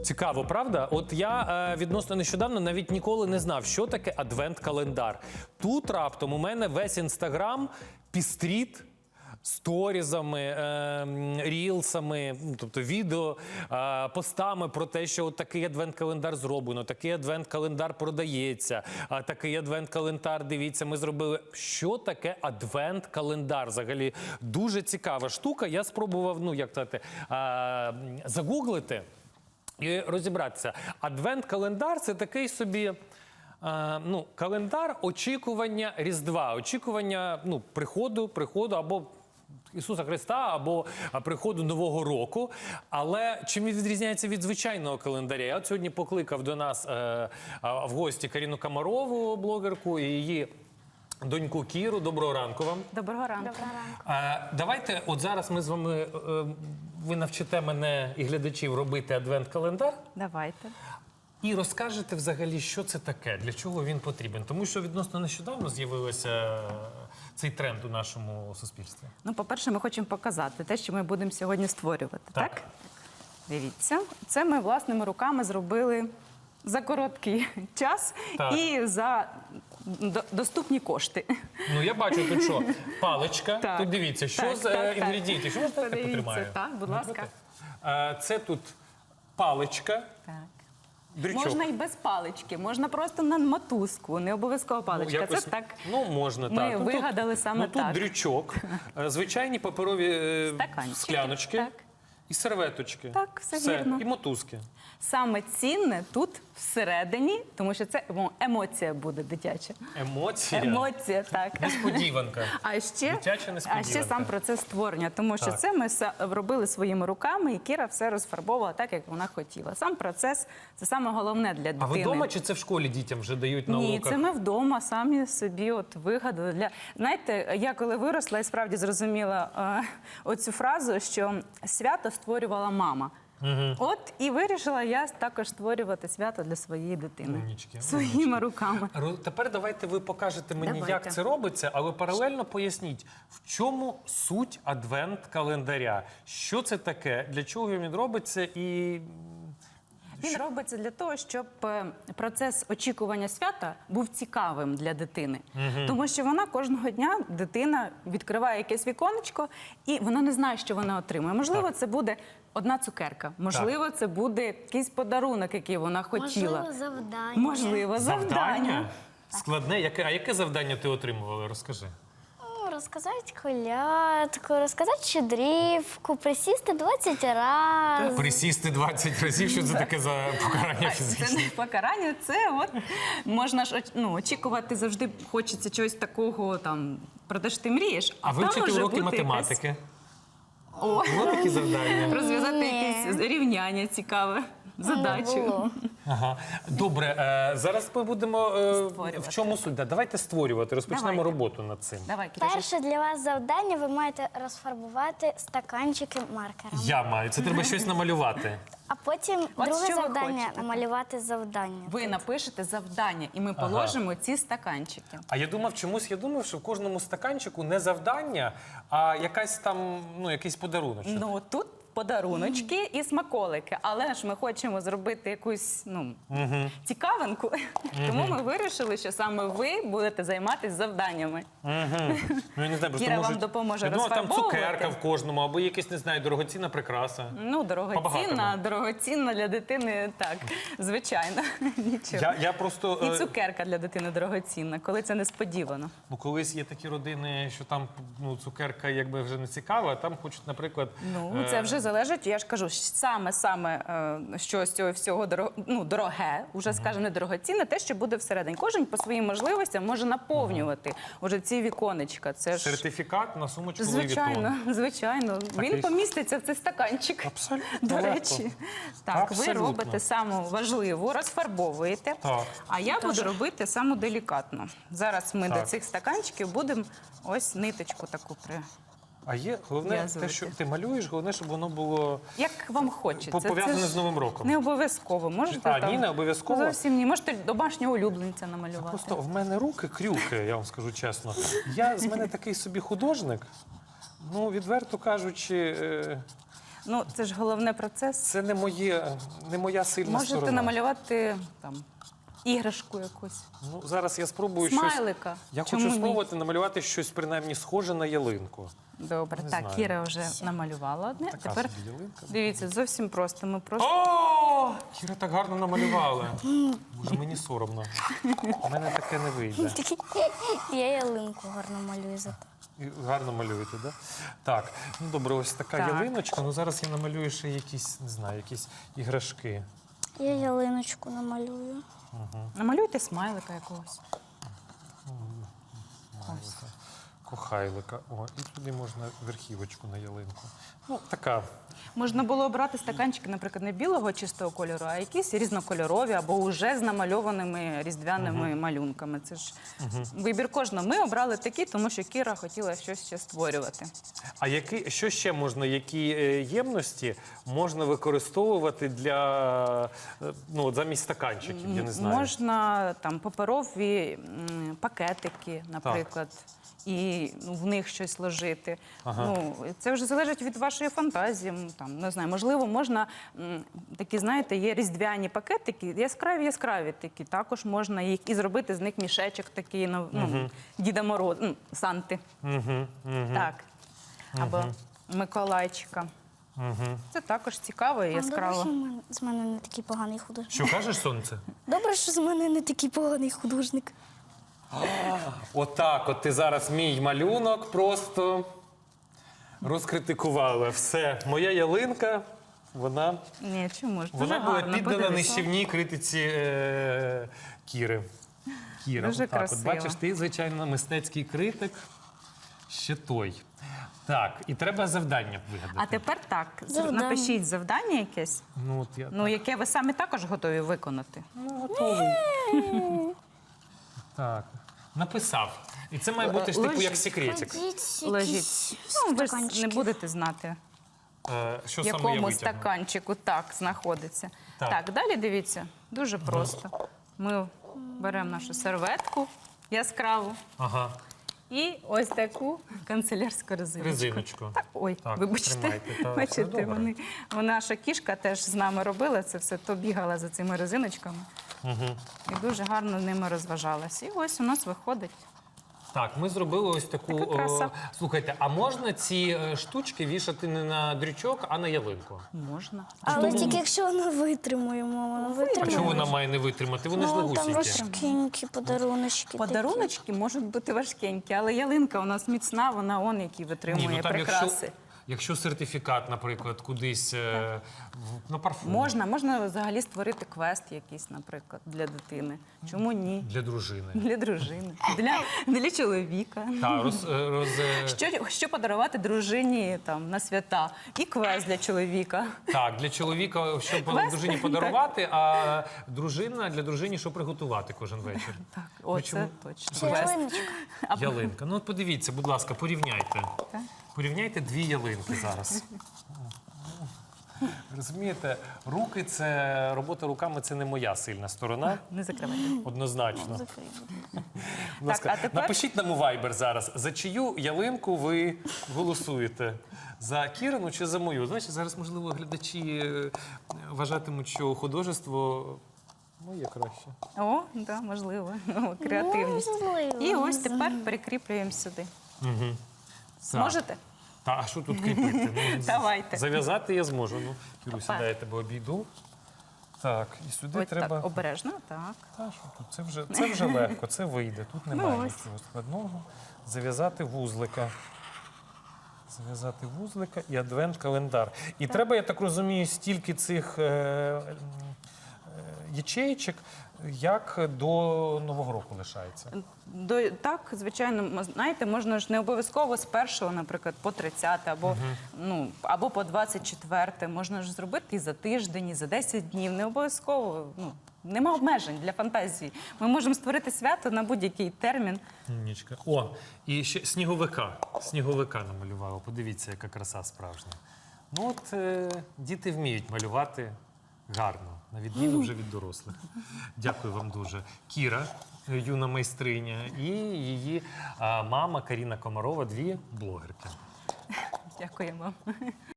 Цікаво, правда? От я відносно нещодавно навіть ніколи не знав, що таке адвент-календар. Тут раптом у мене весь Інстаграм пістріт сторізами, рілсами, тобто відео, постами про те, що от такий адвент-календар зроблено, такий адвент-календар продається, такий адвент-календар, дивіться, ми зробили. Що таке адвент-календар? Взагалі дуже цікава штука. Я спробував, ну, як сказати, загуглити і розібратися. Адвент-календар – це такий собі календар очікування Різдва, очікування приходу або Ісуса Христа, або приходу Нового року. Але чим він відрізняється від звичайного календаря? Я от сьогодні покликав до нас в гості Каріну Комарову, блогерку, і її доньку Кіру. Доброго ранку вам. Доброго ранку. Доброго ранку. Давайте, от зараз ми з вами, ви навчите мене і глядачів робити адвент-календар. Давайте. І розкажете взагалі, що це таке, для чого він потрібен. Тому що відносно нещодавно з'явився цей тренд у нашому суспільстві. Ну, по-перше, ми хочемо показати те, що ми будемо сьогодні створювати. Так? Дивіться. Це ми власними руками зробили за короткий час і за доступні кошти. Ну, я бачу тут що? Паличка. Так. Тут дивіться, що з інгредієнтів. Що можна так потримаю? Так, будь ласка. Це тут паличка. Так. Дрючок. Можна і без палички, можна просто на мотузку, не обов'язково паличка. Якось, це так. Ну, можна, Ми так. вигадали саме тут так. дрючок, звичайні паперові Стаканчики. скляночки Так. і серветочки. Так, все вірно. І мотузки. Саме цінне тут всередині, тому що це емоція буде дитяча. Емоція? Емоція, так. Несподіванка. Дитяча несподіванка. А ще сам процес створення, тому що Так. це ми робили своїми руками, і Кіра все розфарбовувала так, як вона хотіла. Сам процес – це саме головне для дитини. А ви вдома чи це в школі дітям вже дають на Ні, уроках? це ми вдома самі собі от вигадали. Знаєте, я коли виросла і справді зрозуміла оцю фразу, що свято створювала мама. От і вирішила я також створювати свято для своєї дитини. Умнічки, Своїми руками. Тепер давайте ви покажете мені, Давайте. як це робиться, але паралельно поясніть, в чому суть адвент-календаря? Що це таке, для чого він робиться і... Він робиться для того, щоб процес очікування свята був цікавим для дитини. Тому що вона кожного дня, дитина відкриває якесь віконечко, і вона не знає, що вона отримує. Можливо, це буде одна цукерка. Можливо, це буде якийсь подарунок, який вона хотіла. Можливо, завдання. Можливо, завдання. Складне? А яке завдання ти отримувала? Розкажи. Розказати колядку, розказати щедрівку, присісти 20 разів. Присісти 20 разів, що це таке за покарання фізичне? Це не покарання, це от можна ж очікувати завжди, хочеться чогось такого там, про те, що ти мрієш. А там вивчити може уроки бути математики? О, Було такі завдання? розв'язати Ні. якесь рівняння цікаве, задачу. Було. Ага. Добре, зараз ми будемо... В чому суть? Давайте створювати, розпочнемо Давайте. роботу над цим. Давай, Кирюша. Перше для вас завдання, ви маєте розфарбувати стаканчики маркером. Я маю. Це треба щось намалювати. А потім От друге що ви завдання хочете? намалювати завдання. Ви напишете завдання, і ми положимо ці стаканчики. А я думав, я думав, що в кожному стаканчику не завдання, а якась там, якийсь подарунок. Ну, тут подаруночки і смаколики. Але ж ми хочемо зробити якусь, цікавинку. Тому ми вирішили, що саме ви будете займатися завданнями. Ну, я не знаю, просто Кіра вам допоможе я думав, там розфарбовувати. цукерка в кожному, або якась, не знаю, дорогоцінна прикраса. Ну, По-багатому. дорогоцінна для дитини, так, звичайно, нічого. Я просто... І цукерка для дитини дорогоцінна, коли це несподівано. Ну, колись є такі родини, що там цукерка якби вже не цікава, а там хочуть, наприклад... Ну, це вже залежить, я ж кажу, саме що з цього всього дороге, уже скажемо, не дорогоцінне, те, що буде всередині. Кожен по своїм можливостям може наповнювати уже ці віконечка. Це ж... Сертифікат на сумочку Louis Vuitton. Звичайно, звичайно. Він поміститься в цей стаканчик. Абсолютно До легко. речі. Так, ви Абсолютно. робите саму важливу, розфарбовуєте. Так. А я буду робити саму делікатну. Зараз ми Так. до цих стаканчиків будемо ось ниточку таку А є головне те, В'язувати. що ти малюєш, головне, щоб воно було Як вам хочеться. пов'язане Це з Новим роком. Не обов'язково. Можете А, там... ні, не обов'язково? Зовсім ні. Можете домашнього улюбленця намалювати. Просто в мене руки крюки, я вам скажу чесно. З мене такий собі художник, відверто кажучи, Ну, це ж головний процес. Це не моя сильна Можете сторона. намалювати там іграшку якусь. Ну, зараз я спробую Смайлика. щось. Я Чому хочу ні? спробувати намалювати щось принаймні схоже на ялинку. Добре, Не так, знаю. Кіра вже намалювала одне. Така Тепер собі ялинка. дивіться, зовсім просто. Ми просто О! Кіра так гарно намалювала. Боже, мені соромно. У мене таке не вийде. Я ялинку гарно малюю зато. І гарно малюєте, так? Да? Так, ну добре, ось така Так. ялиночка. Ну зараз я намалюю ще якісь, не знаю, якісь іграшки. Я ялиночку намалюю. намалюйте смайлика якогось. Кохайлика. О, і туди можна верхівочку на ялинку. Ну, така. Можна було обрати стаканчики, наприклад, не білого чистого кольору, а якісь різнокольорові або вже з намальованими різдвяними малюнками. Це ж вибір кожного. Ми обрали такі, тому що Кіра хотіла щось ще створювати. А що ще можна, які ємності можна використовувати для, ну, от замість стаканчиків, я не знаю. Можна там паперові пакетики, наприклад. І в них щось ложити. Ну, це вже залежить від вашої фантазії. Там, не знаю, можливо, можна такі, знаєте, є різдвяні пакетики, яскраві такі. Також можна їх і зробити з них мішечок такий, ну, Діда Мороз, Санти. Так. Або Миколайчика. Це також цікаво і яскраво. Добре, що з мене не такий поганий художник. Що кажеш, сонце? Добре, що з мене не такий поганий художник. Отак, от ти зараз мій малюнок просто розкритикувала. Все, моя ялинка, вона Ні, чому ж? Дуже була гарно, піддана подивись. нищівній критиці Кіри. Кіра, Дуже отак, красиво. от бачиш, ти, звичайно, мистецький критик, ще той. Так, і треба завдання вигадати. А тепер так, Завдання. напишіть завдання якесь, Ну, от я ну, яке ви самі також готові виконати. готовий. Так, написав. І це має бути ж типу як секретик. Ложіть. Ну, ви ж не будете знати, Що в саме я якому витягну? стаканчику так знаходиться. Так. Так, далі дивіться, дуже просто. Ми беремо нашу серветку яскраву Ага, і ось таку канцелярську резиночку. резиночку. Так, ой, Так, вибачте, тримайте, та, бачите, все добре. наша кішка теж з нами робила це все, то бігала за цими резиночками і дуже гарно ними розважалася. І ось у нас виходить. Так, ми зробили ось таку. Така краса. Слухайте, а можна ці штучки вішати не на дрючок, а на ялинку? Можна. Але тільки якщо вона витримує, мама, вона А витримує. чому вона має не витримати? Вони ж Ну, там легусінькі. важкенькі подаруночки. Подаруночки можуть бути важкенькі, але ялинка у нас міцна, вона який витримує Ні, ну там прикраси. якщо сертифікат, наприклад, кудись на парфум. Можна взагалі створити квест якийсь, наприклад, для дитини. Чому ні? Для дружини. Для дружини, для чоловіка. Так, Що подарувати дружині там на свята? І квест для чоловіка. так, для чоловіка, щоб Квести, дружині подарувати, а для дружині, що приготувати кожен вечір. Так, Ви чому- оце точно. Це Квест. ялиночка. Ялинка. Ну, от подивіться, будь ласка, порівняйте. Так. Порівняйте дві ялинки зараз. Розумієте, робота руками це не моя сильна сторона, Не закривайте. однозначно. Закрий, будь ласка. Будь ласка, а тепер- напишіть нам у Viber зараз, за чию ялинку ви голосуєте? За Кірину чи за мою? Знаєте, зараз, можливо, глядачі вважатимуть, що художество моє краще. О, да, можливо. Креативність. Можливо, І ось не тепер прикріплюємо сюди. Так. Зможете? Та, а що тут кріпити? Ну, Давайте. Зав'язати я зможу. Ну, Кіруся, Опа. дай я тебе обійду. Так, і сюди Ось треба. так, обережно, так. Та, що тут? Це вже легко, це вийде. Тут немає ось. нічого складного. Зав'язати вузлика. Зав'язати вузлика і адвент-календар. І треба, я так розумію, стільки цих ячеїчок, як до Нового року лишається. Так, звичайно, знаєте, можна ж не обов'язково з 1-го, наприклад, по 30, або по 24. Можна ж зробити і за тиждень, і за 10 днів. Не обов'язково. Нема обмежень для фантазії. Ми можемо створити свято на будь-який термін. Умнічка. О, і ще сніговика. Сніговика намалювала. Подивіться, яка краса справжня. Ну от діти вміють малювати гарно, на відміну вже від дорослих. Дякую вам дуже. Кіра, юна майстриня, і її мама Каріна Комарова, дві блогерки. Дякуємо.